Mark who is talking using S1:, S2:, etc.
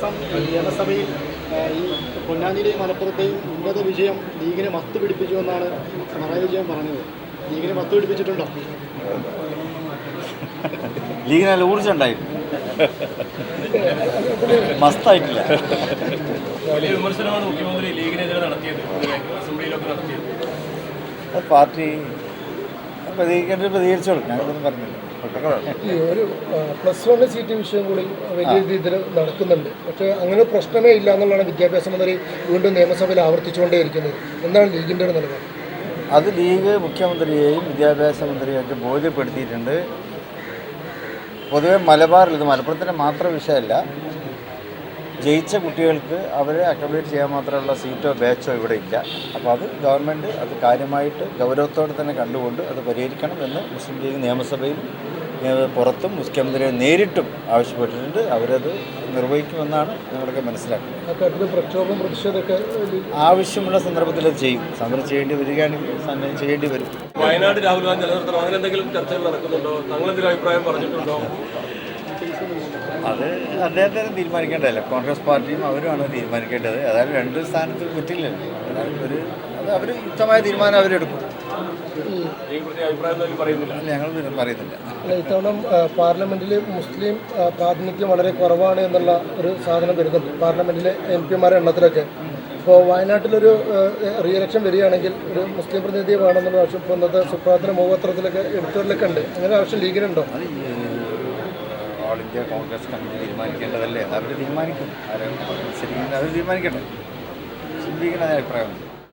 S1: നിയമസഭയിൽ ഈ പൊന്നാനിയിലെയും മലപ്പുറത്തെയും ഉന്നത വിജയം ലീഗിനെ മത്ത് പിടിപ്പിച്ചുവെന്നാണ് പിണറായി വിജയൻ പറഞ്ഞത്. ലീഗിനെ മത്ത് പിടിപ്പിച്ചിട്ടുണ്ടോ?
S2: ലീഗിന് നല്ല ഊർജ്ജം ഉണ്ടായിരുന്നു, മസ്തായിട്ടില്ല.
S3: വലിയ വിമർശനമാണ് മുഖ്യമന്ത്രി ലീഗിനെതിരെ നടത്തിയത്, അസംബ്ലിയിലൊക്കെ നടത്തിയത്.
S2: അത് പാർട്ടി പ്രതികരിച്ചോളൂ, ഞാനൊന്നും പറഞ്ഞില്ല.
S4: ഈ ഒരു +1 സീറ്റ് വിഷയം കൂടി വലിയ രീതിയിൽ നടക്കുന്നുണ്ട്. പക്ഷേ അങ്ങനെ പ്രശ്നമേ ഇല്ല എന്നുള്ളതാണ് വിദ്യാഭ്യാസ മന്ത്രി വീണ്ടും നിയമസഭയിൽ ആവർത്തിച്ചുകൊണ്ടേയിരിക്കുന്നത്. എന്താണ് ലീഗിൻ്റെ ഒരു നിലപാട്?
S2: അത് ലീഗ് മുഖ്യമന്ത്രിയെയും വിദ്യാഭ്യാസ മന്ത്രിയൊക്കെ ബോധ്യപ്പെടുത്തിയിട്ടുണ്ട്. പൊതുവെ മലബാറിൽ, ഇത് മലപ്പുറത്തിൻ്റെ മാത്രം വിഷയമല്ല, ജയിച്ച കുട്ടികൾക്ക് അവരെ അക്കോമഡേറ്റ് ചെയ്യാൻ മാത്രമുള്ള സീറ്റോ ബാച്ചോ ഇവിടെ ഇല്ല. അപ്പോൾ അത് ഗവൺമെൻറ് അത് കാര്യമായിട്ട് ഗൗരവത്തോടെ തന്നെ കണ്ടുകൊണ്ട് അത് പരിഹരിക്കണം എന്ന് മുസ്ലിം ലീഗ് നിയമസഭയിൽ പുറത്തും മുഖ്യമന്ത്രിയെ നേരിട്ടും ആവശ്യപ്പെട്ടിട്ടുണ്ട്. അവരത് നിർവഹിക്കുമെന്നാണ് ഞങ്ങളൊക്കെ മനസ്സിലാക്കുന്നത്.
S4: പ്രക്ഷോഭം പ്രതിഷേധമൊക്കെ
S2: ആവശ്യമുള്ള സന്ദർഭത്തിൽ അത് ചെയ്യും. സമരം ചെയ്യേണ്ടി വരികയാണെങ്കിൽ സമരം ചെയ്യേണ്ടി വരും.
S3: വയനാട് രാഹുൽ ഗാന്ധി നിലനിർത്തണം, അങ്ങനെ എന്തെങ്കിലും ചർച്ചകൾ നടക്കുന്നുണ്ടോ? താങ്കളെന്തെങ്കിലും അഭിപ്രായം പറഞ്ഞിട്ടുണ്ടോ?
S2: അത് അദ്ദേഹത്തിന് തീരുമാനിക്കേണ്ടതല്ല, കോൺഗ്രസ് പാർട്ടിയും അവരുമാണ് തീരുമാനിക്കേണ്ടത്. അതായത് രണ്ട് സ്ഥാനത്ത് പറ്റില്ലല്ലോ. അതായത് അവർ യുക്തമായ തീരുമാനം അവരെടുക്കും. ഞങ്ങൾ പറയുന്നില്ല.
S4: ഇത്തവണ പാർലമെന്റിൽ മുസ്ലിം പ്രാതിനിധ്യം വളരെ കുറവാണ് എന്നുള്ള ഒരു സാധനം വരുന്നുണ്ട് പാർലമെന്റിലെ MP-മാരുടെ എണ്ണത്തിലൊക്കെ. ഇപ്പോൾ വയനാട്ടിലൊരു റീഇലക്ഷൻ വരികയാണെങ്കിൽ ഒരു മുസ്ലിം പ്രതിനിധിയെ വേണമെന്നുള്ള ആവശ്യം ഇപ്പോൾ ഇന്നത്തെ സുപ്രഭാതത്തിന് മുഖപത്രത്തിലൊക്കെ എടുത്തവരിലൊക്കെ ഉണ്ട്. അങ്ങനെ ആവശ്യം ലീഗിനുണ്ടോ?
S2: ഓൾ ഇന്ത്യ കോൺഗ്രസ് കമ്മിറ്റി തീരുമാനിക്കേണ്ടതല്ലേ, അവർ തീരുമാനിക്കും. ആരും ശരിക്കും അവർ തീരുമാനിക്കട്ടെ. ലീഗിന് അഭിപ്രായമുണ്ട്.